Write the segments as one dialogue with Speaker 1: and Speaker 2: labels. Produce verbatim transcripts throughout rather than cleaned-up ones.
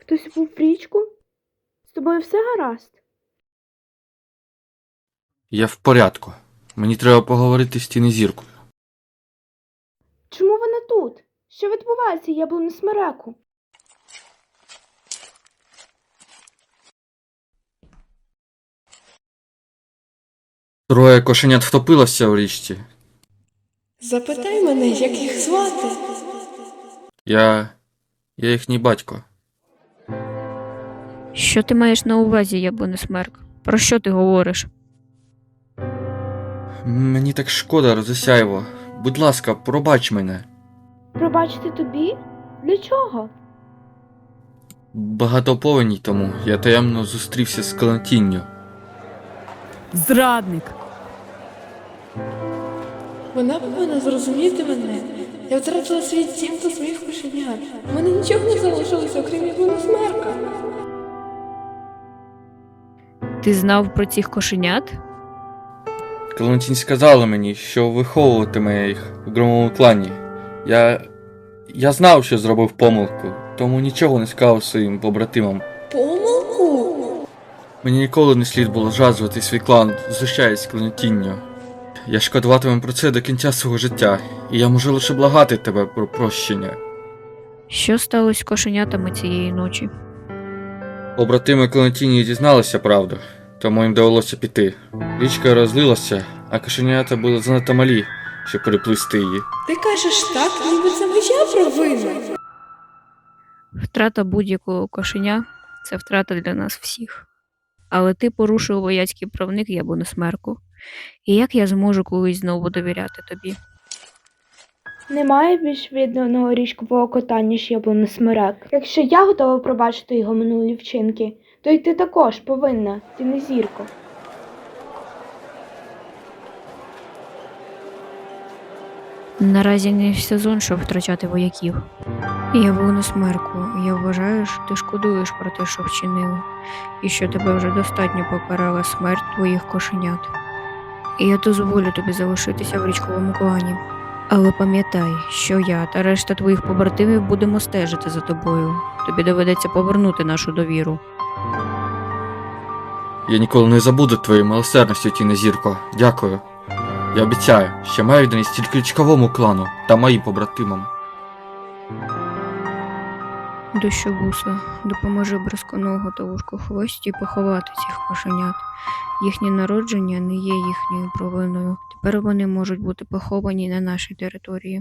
Speaker 1: Хтось був в річку? З тобою все гаразд?
Speaker 2: Я в порядку. Мені треба поговорити з Тінезіркою.
Speaker 1: Чому вона тут? Що відбувається, яблуне смереку?
Speaker 2: Троє кошенят втопилося у річці.
Speaker 3: Запитай мене, як їх звати.
Speaker 2: Я... я їхній батько.
Speaker 4: Що ти маєш на увазі, яблуне смерк? Про що ти говориш?
Speaker 2: Мені так шкода, Розосяєво. Будь ласка, пробач мене.
Speaker 1: Пробачити тобі? Для чого?
Speaker 2: Багато повеній тому я таємно зустрівся з Клентінню.
Speaker 5: Зрадник!
Speaker 3: Вона повинна зрозуміти мене. Я втратила свій дім та своїх кошенят. У мене нічого не залишилося, окрім яблуни смерка.
Speaker 4: Ти знав про цих кошенят?
Speaker 2: Клентінь сказала мені, що виховуватиме їх в громовому клані. Я... я знав, що зробив помилку, тому нічого не сказав своїм побратимам.
Speaker 3: Помилку?
Speaker 2: Мені ніколи не слід було зраджувати свій клан, знущаясь з Клентінню. Я шкодуватиму про це до кінця свого життя, і я можу лише благати тебе про прощення.
Speaker 4: Що сталося з кошенятами цієї ночі?
Speaker 2: Побратими Клентіні дізналися правду, тому їм довелося піти. Річка розлилася, а кошенята були занадто малі, щоб переплисти її.
Speaker 3: Ти кажеш так, ніби це моя провина.
Speaker 4: Втрата будь-якого кошеня – це втрата для нас всіх. Але ти порушив вояцький правник яблуне смерку. І як я зможу колись знову довіряти тобі?
Speaker 1: Немає більш відданого річкового кота, ніж яблуне смерек. Якщо я готова пробачити його минулі вчинки, то й ти також повинна, Тінезірко.
Speaker 4: Наразі не сезон, щоб втрачати вояків. Яблуне смерку, я вважаю, що ти шкодуєш про те, що вчинив, і що тебе вже достатньо покарала смерть твоїх кошенят. І я дозволю тобі залишитися в річковому клані. Але пам'ятай, що я та решта твоїх побратимів будемо стежити за тобою. Тобі доведеться повернути нашу довіру.
Speaker 2: Я ніколи не забуду твоєї милосердності, Тінезірко. Дякую. Я обіцяю, що маю відданість тільки річковому клану та моїм побратимам.
Speaker 4: Дощовуса, допоможи Бризконого та Вужкохвості поховати цих кошенят. Їхнє народження не є їхньою провиною. Тепер вони можуть бути поховані на нашій території.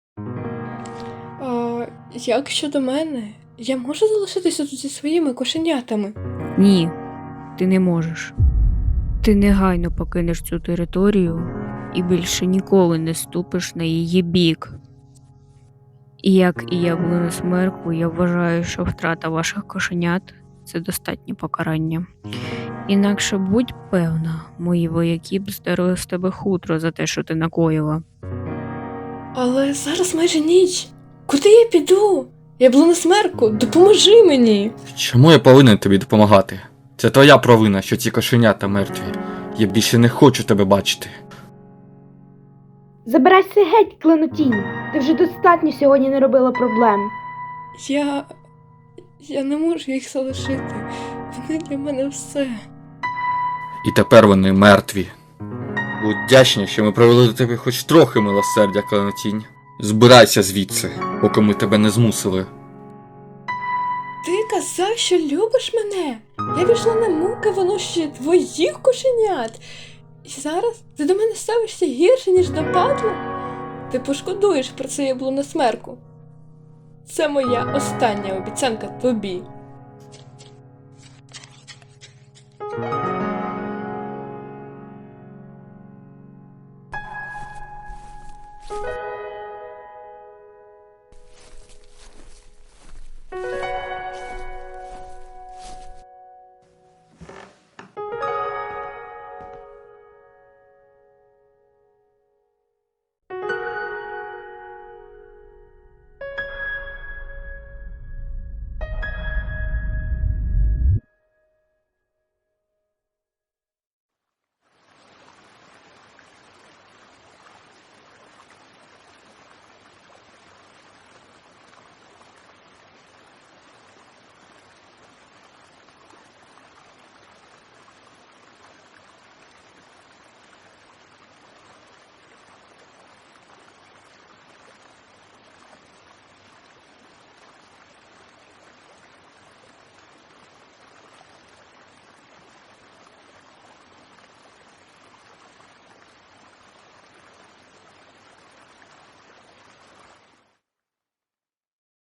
Speaker 3: А як щодо мене? Я можу залишитися тут зі своїми кошенятами?
Speaker 4: Ні, ти не можеш. Ти негайно покинеш цю територію і більше ніколи не ступиш на її бік. І як і яблуне смерку, я вважаю, що втрата ваших кошенят – це достатнє покарання. Інакше будь певна, мої вояки б здерли з тебе хутро за те, що ти накоїла.
Speaker 3: Але зараз майже ніч. Куди я піду? Яблуне смерку, допоможи мені.
Speaker 2: Чому я повинен тобі допомагати? Це твоя провина, що ці кошенята мертві. Я більше не хочу тебе бачити.
Speaker 1: Забирайся геть, Кленотінь! Ти вже достатньо сьогодні не робила проблем.
Speaker 3: Я... я не можу їх залишити. Вони для мене все.
Speaker 2: І тепер вони мертві. Будь вдячний, що ми провели до тебе хоч трохи милосердя, Кланотінь. Збирайся звідси, поки ми тебе не змусили.
Speaker 3: Ти казав, що любиш мене. Я пішла на муки винощення твоїх кошенят. І зараз ти до мене ставишся гірше, ніж до падла? Ти пошкодуєш про це яблуне смерку. Це моя остання обіцянка тобі.